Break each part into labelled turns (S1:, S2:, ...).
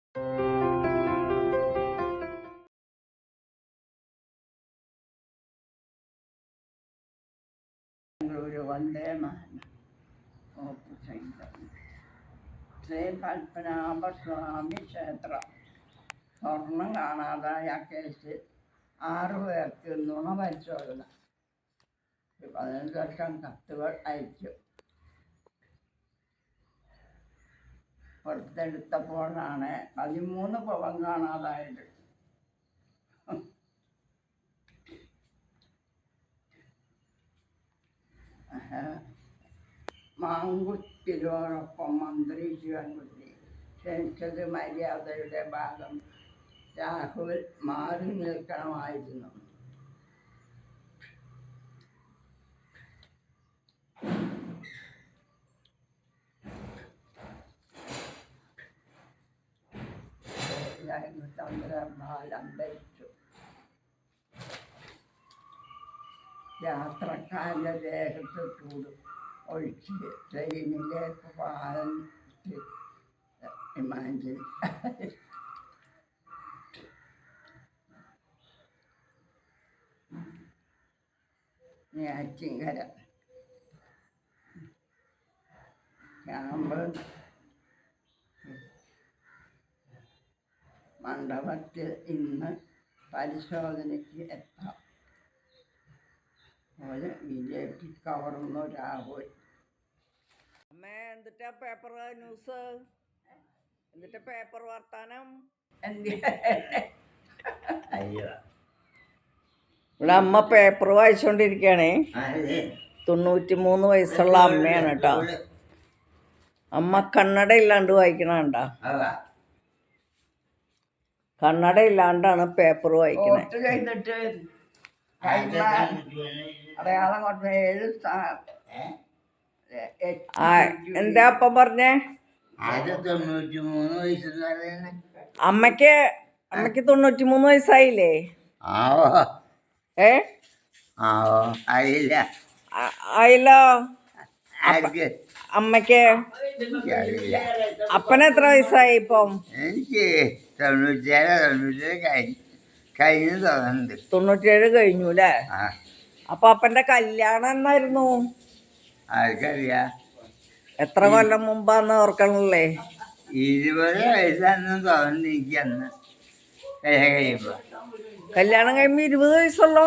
S1: ഒരു വന്ദേമാനം ശ്രീ പത്മനാഭസ്വാമി ക്ഷേത്രം സ്വർണം കാണാതായ കേസിൽ 6 പേർക്ക് നുണ പരിശോധന 15 ലക്ഷം കത്തുകൾ അയച്ചു. പുറത്തെടുത്തപ്പോഴാണ് 13 പവൻ കാണാതായത്. മാങ്കുത്തിനോടൊപ്പം മന്ത്രി ശിവൻകുട്ടി ക്ഷണിച്ചത് മര്യാദയുടെ ഭാഗം. രാഹുൽ മാറി നിൽക്കണമായിരുന്നു. ചന്ദ്രപാൽ അന്തരിച്ചു. യാത്രക്കാരുടെ ദേഹത്ത് ചൂട് ഒഴിച്ച് ട്രെയിനിലേക്ക് പാലം ഇമാജിൻ. നെയ്യാറ്റിൻകര ക്യാമ്പ് മണ്ഡപത്തിൽ ഇന്ന് പരിശോധനയ്ക്ക് എത്താം. ഒരു BJP കവർന്നു രാഹുൽ.
S2: അമ്മേ, എന്നിട്ടാ പേപ്പർ ന്യൂസ്, എന്നിട്ട് പേപ്പർ വർത്താനം. ഇവിടെ അമ്മ പേപ്പർ വായിച്ചോണ്ടിരിക്കണേ. 93 വയസ്സുള്ള അമ്മയാണ് കേട്ടോ. അമ്മ കണ്ണട ഇല്ലാണ്ട് വായിക്കണ കണ്ടാ? കണ്ണട ഇല്ലാണ്ടാണ് പേപ്പർ വായിക്കണേ. എന്താ അപ്പം പറഞ്ഞേ? അമ്മക്ക് 93 വയസ്സായില്ലേ? ആയില്ലോ. അമ്മക്ക് അപ്പന് എത്ര വയസ്സായി ഇപ്പം? 97 കഴിഞ്ഞു അല്ലേ? അപ്പൊ അപ്പന്റെ കല്യാണം എന്നായിരുന്നു? എത്ര കൊല്ലം മുമ്പാന്ന് ഓർക്കണല്ലേ?
S1: 20 വയസ്സാണെന്ന് തോന്നുന്നു എനിക്ക് അന്ന്
S2: കല്യാണം കഴിയുമ്പോ 20 വയസ്സുള്ളോ?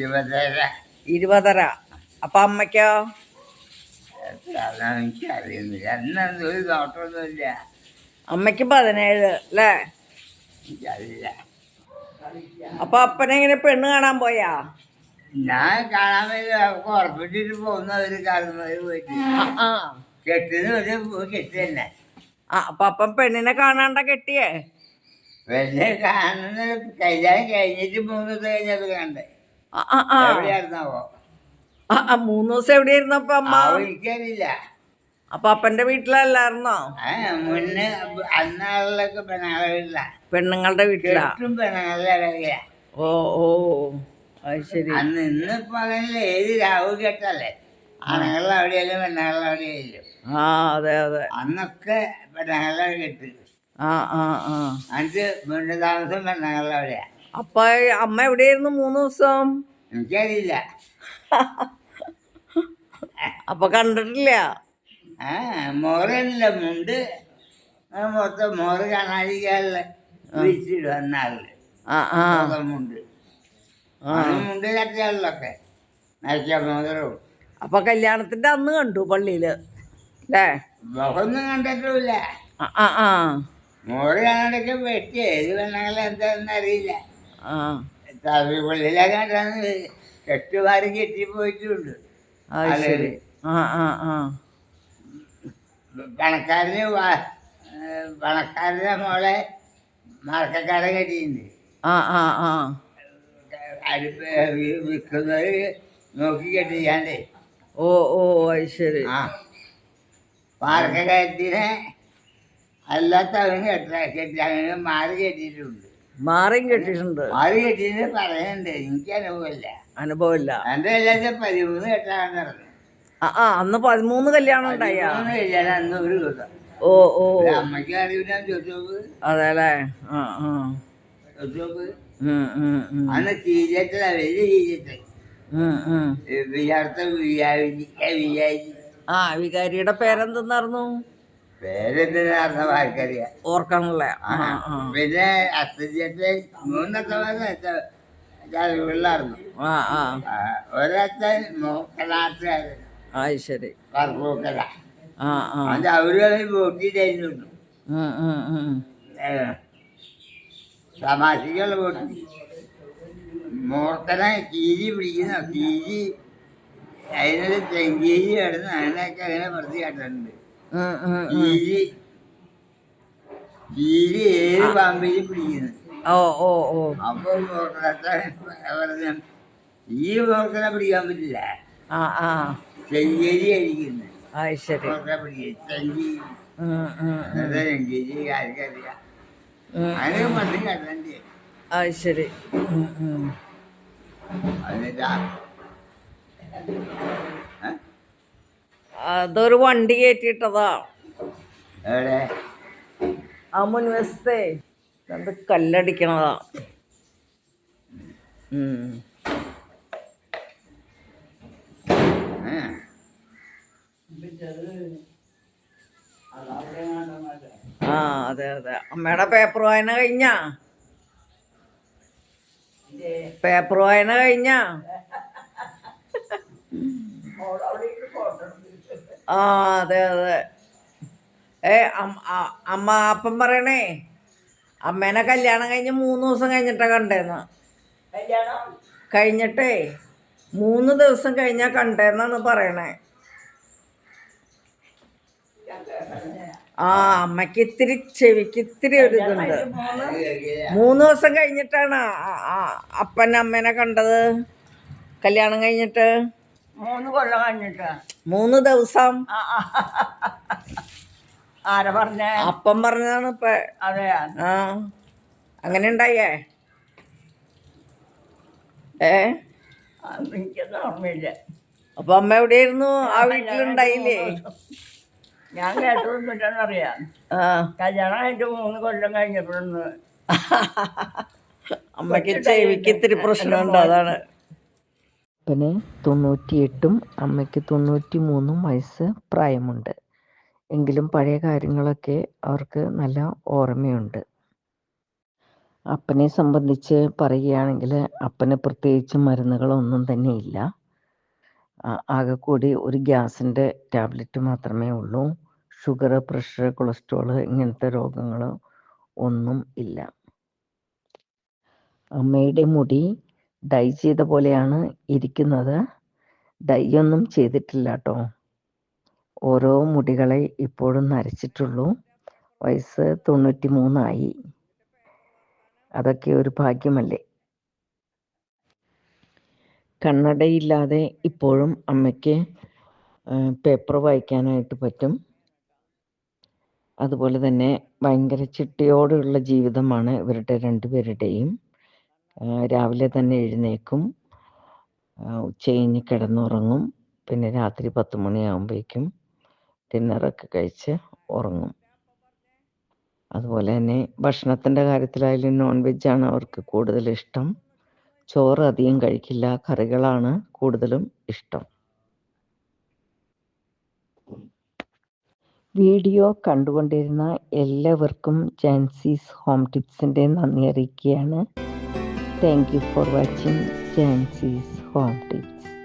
S2: 20. അപ്പൊ അമ്മയ്ക്കോ?
S1: എനിക്കറിയുന്നില്ല. അന്നൊന്നും ഒരു നോട്ടമൊന്നുമില്ല.
S2: അമ്മയ്ക്ക് 17 അല്ലേ?
S1: എനിക്കറിയില്ല.
S2: അപ്പൊ അപ്പനെങ്ങനെ പെണ്ണ് കാണാൻ പോയാ?
S1: ഞാൻ കാണാൻ വേണ്ടി ഉറപ്പിച്ചിട്ട് പോകുന്ന ഒരു കാലം പോയിട്ട് കെട്ടിന് ഒരു കെട്ടി തന്നെ.
S2: അപ്പൊ അപ്പം പെണ്ണിനെ കാണാണ്ട കെട്ടിയേ?
S1: പെണ്ണെ കാണുന്ന കല്യാണം കഴിഞ്ഞിട്ട് 3 ദിവസം കഴിഞ്ഞത് കണ്ടേ. എവിടെയായിരുന്നാവോ?
S2: 3 ദിവസം എവിടെയായിരുന്നപ്പോ അമ്മ?
S1: എനിക്കറിയില്ല.
S2: അപ്പൊ അപ്പന്റെ വീട്ടിലല്ലായിരുന്നോ?
S1: മുന്നേ അന്നാളിലൊക്കെ പെണ്ണുങ്ങളുടെ വീട്ടിലാ.
S2: പെണ്ണുങ്ങളുടെ വീട്ടിലാ?
S1: പെണ്ണുങ്ങളുടെ.
S2: ഓ ഓ, അത് ശരി.
S1: അന്ന് ഇന്നിപ്പോ അങ്ങനെ ഏത് രാഹുൽ കെട്ടല്ലേ, ആണുങ്ങളുടെ അവിടെയല്ലോ പെണ്ണുങ്ങളുടെ അവിടെയല്ലോ.
S2: അതെ അതെ.
S1: അന്നൊക്കെ പെണ്ണുങ്ങളുടെ കെട്ട്. എന്നിട്ട് വീണ്ടും താമസം പെണ്ണുങ്ങളുടെ അവിടെയാ.
S2: അപ്പൊ അമ്മ എവിടെയായിരുന്നു 3 ദിവസം?
S1: എനിക്കറിയില്ല.
S2: അപ്പൊ കണ്ടിട്ടില്ല?
S1: മോറില്ല, മുണ്ട് മൊത്തം മോറ് കാണാതിരിക്കാനുള്ള വിരിച്ചിടും അന്നാളില്. മുണ്ട് മുണ്ട് കട്ടിയാളിലൊക്കെ നരച്ച മോതിരവും.
S2: അപ്പൊ കല്യാണത്തിന്റെ അന്ന് കണ്ടു പള്ളിയില് അല്ലേ?
S1: മുഖമൊന്നും കണ്ടിട്ടുമില്ല. മോറ് കാണാണ്ടൊക്കെ വെട്ടി ഏത് പെണ്ണുങ്ങളെ എന്താണെന്ന് അറിയില്ല. പള്ളിയിലെ കണ്ടാന്ന് കെട്ടുമാരും കെട്ടിപ്പോയിട്ടുണ്ട്. പണക്കാരന്റെ മോളെ മറക്കക്കാരൻ കെട്ടിയിട്ടുണ്ട്. വിൽക്കുന്നവര് നോക്കി കെട്ടിയാണ്ടേ.
S2: ഓ ഓ, അത് ശരി.
S1: മാർക്കക്കാരത്തിനെ അല്ലാത്തവരും കെട്ടി അങ്ങനെ മാറി കെട്ടിയിട്ടുണ്ട്.
S2: മാറിയും കെട്ടിയിട്ടുണ്ട്.
S1: മാറി കെട്ടിയിട്ട് പറയുന്നുണ്ട്. എനിക്ക് അനുഭവമില്ല. എൻ്റെ കല്യാണത്തിൽ 13 കെട്ടാൻ നടന്നു.
S2: അന്ന് 13 കല്യാണം ഉണ്ടായ?
S1: കല്യാണം അന്ന് ഒരു ദിവസം
S2: ഓ ഓ
S1: അമ്മയ്ക്ക് അറിയില്ല ചോദിച്ചോക്ക്
S2: അതെല്ലേ. ആ ആ
S1: ചോദിച്ചോക്ക്.
S2: ഉം, ഉം, ഉം.
S1: അന്ന് ചീരത്തല വലിയ ചീരത്തെ
S2: ഉം, ഉം.
S1: വിചാരത്തെ വിചാരിച്ചു
S2: ആ വികാരിയുടെ പേരെന്തെന്നായിരുന്നു?
S1: പേരെന്തിനാർന്ന ആർക്കറിയാം.
S2: ഓർക്കണല്ലേ. ആ ആ
S1: പിന്നെ അച്ഛൻ്റെ മൂന്നത്തെ പിള്ളായിരുന്നു.
S2: ആ ആ
S1: ഒരച്ഛൻ നോക്കനാട്ടുകാരൻ
S2: അത് ശരി.
S1: പറപ്പൂക്കര.
S2: ആ ആ
S1: അത് അവര് വോട്ടിട്ടായിരുന്നു.
S2: ഉം, ഉം, ഉം.
S1: തമാശക്കുള്ള വോട്ടി മൂർക്കനെ കീരി പിടിക്കുന്ന കീരി അതിനൊരു ചെങ്കീരി കിടന്ന് അതിനൊക്കെ അങ്ങനെ പ്രതി കാട്ടുന്നുണ്ട്.
S2: ഉം, ഉം, ഉം.
S1: കീരി കീരി ഏത് പാമ്പിലും പിടിക്കുന്നു.
S2: ഓ ഓ ഓ
S1: അപ്പൊ മൂർക്കനത്തെ പറഞ്ഞു ഈ മൂർക്കനെ പിടിക്കാൻ പറ്റില്ല,
S2: ആ ആ
S1: ചെങ്കേരി അടിക്കുന്നു.
S2: അത് ശരി.
S1: മൂർക്കനെ പിടിക്കും ചെങ്കീരി.
S2: ഉം, ഉം, ഉം.
S1: അന്നത്തെ ചെങ്കീരി ആർക്കറിയാം.
S2: ഉം,
S1: അതിനൊക്കെ മതി കണ്ടേ.
S2: അത് ശരി. ഉം, ഉം.
S1: എന്നിട്ടാ
S2: അതൊരു വണ്ടി കയറ്റിയിട്ടതാ
S1: എവിടെ
S2: ആ മുൻവശത്തെ രണ്ട് കല്ലടിക്കണതാ. ഉം. ആ അതെ അതെ. അമ്മയുടെ പേപ്പർ വായന കഴിഞ്ഞാ? പേപ്പർ വായന കഴിഞ്ഞാ? ആ അതെ അതെ. അമ്മ അപ്പം പറയണേ അമ്മേനെ കല്യാണം കഴിഞ്ഞ് 3 ദിവസം കഴിഞ്ഞിട്ടാ കണ്ടേന്ന്. കഴിഞ്ഞിട്ടേ 3 ദിവസം കഴിഞ്ഞാ കണ്ടേന്നാണ് പറയണേ. ആ അമ്മയ്ക്ക് ഇത്തിരി ചെവിക്ക് ഇത്തിരി ഒരു ഇതുണ്ട്. 3 ദിവസം കഴിഞ്ഞിട്ടാണ് അപ്പൻ അമ്മേനെ കണ്ടത് കല്യാണം കഴിഞ്ഞിട്ട്.
S3: 3 കൊല്ലം കഴിഞ്ഞിട്ട്
S2: 3 ദിവസം.
S3: ആരാ പറഞ്ഞേ?
S2: അപ്പം പറഞ്ഞതാണ് ഇപ്പൊ.
S3: അതെയാ?
S2: ആ അങ്ങനെ ഉണ്ടായേ.
S3: എനിക്കൊന്നും ഓർമ്മയില്ല.
S2: അപ്പൊ അമ്മ എവിടെയായിരുന്നു? ആ വീട്ടിലുണ്ടായില്ലേ?
S3: ഞാൻ കേട്ടതൊന്നുമില്ലെന്നറിയാം.
S2: ആ
S3: കല്യാണം കഴിഞ്ഞിട്ട് 3 കൊല്ലം കഴിഞ്ഞപ്പോഴൊന്ന്
S2: അമ്മയ്ക്ക് ചെവിക്ക് ഇത്തിരി പ്രശ്നമുണ്ട്, അതാണ്.
S4: അപ്പന് 98 അമ്മയ്ക്ക് 93 വയസ്സ് പ്രായമുണ്ട്. എങ്കിലും പഴയ കാര്യങ്ങളൊക്കെ അവർക്ക് നല്ല ഓർമ്മയുണ്ട്. അപ്പനെ സംബന്ധിച്ച് പറയുകയാണെങ്കിൽ അപ്പന് പ്രത്യേകിച്ച് മരുന്നുകളൊന്നും തന്നെ ഇല്ല. ആകെക്കൂടി ഒരു ഗ്യാസിൻ്റെ ടാബ്ലറ്റ് മാത്രമേ ഉള്ളൂ. ഷുഗർ, പ്രഷർ, കൊളസ്ട്രോൾ ഇങ്ങനത്തെ രോഗങ്ങൾ ഒന്നും ഇല്ല. അമ്മയുടെ മുടി ഡൈ ചെയ്ത പോലെയാണ് ഇരിക്കുന്നത്. ഡൈ ഒന്നും ചെയ്തിട്ടില്ല കേട്ടോ. ഓരോ മുടികളെ ഇപ്പോഴും നരച്ചിട്ടുള്ളൂ. വയസ്സ് 93 ആയി. അതൊക്കെ ഒരു ഭാഗ്യമല്ലേ. കണ്ണടയില്ലാതെ ഇപ്പോഴും അമ്മയ്ക്ക് പേപ്പർ വായിക്കാനായിട്ട് പറ്റും. അതുപോലെ തന്നെ ഭയങ്കര ചിട്ടയോടുള്ള ജീവിതമാണ് ഇവരുടെ രണ്ടുപേരുടെയും. രാവിലെ തന്നെ എഴുന്നേക്കും, ഉച്ചകഴിഞ്ഞ് കിടന്നുറങ്ങും, പിന്നെ രാത്രി 10 മണിയാകുമ്പോഴേക്കും ഡിന്നറൊക്കെ കഴിച്ച് ഉറങ്ങും. അതുപോലെ തന്നെ ഭക്ഷണത്തിൻ്റെ കാര്യത്തിലായാലും നോൺ വെജാണ് അവർക്ക് കൂടുതൽ ഇഷ്ടം. ചോറ് അധികം കഴിക്കില്ല, കറികളാണ് കൂടുതലും ഇഷ്ടം. വീഡിയോ കണ്ടുകൊണ്ടിരുന്ന എല്ലാവർക്കും ജാൻസീസ് ഹോം ടിപ്സിൻ്റെ നന്ദി അറിയിക്കുകയാണ്. Thank you for watching Jancy's home tips.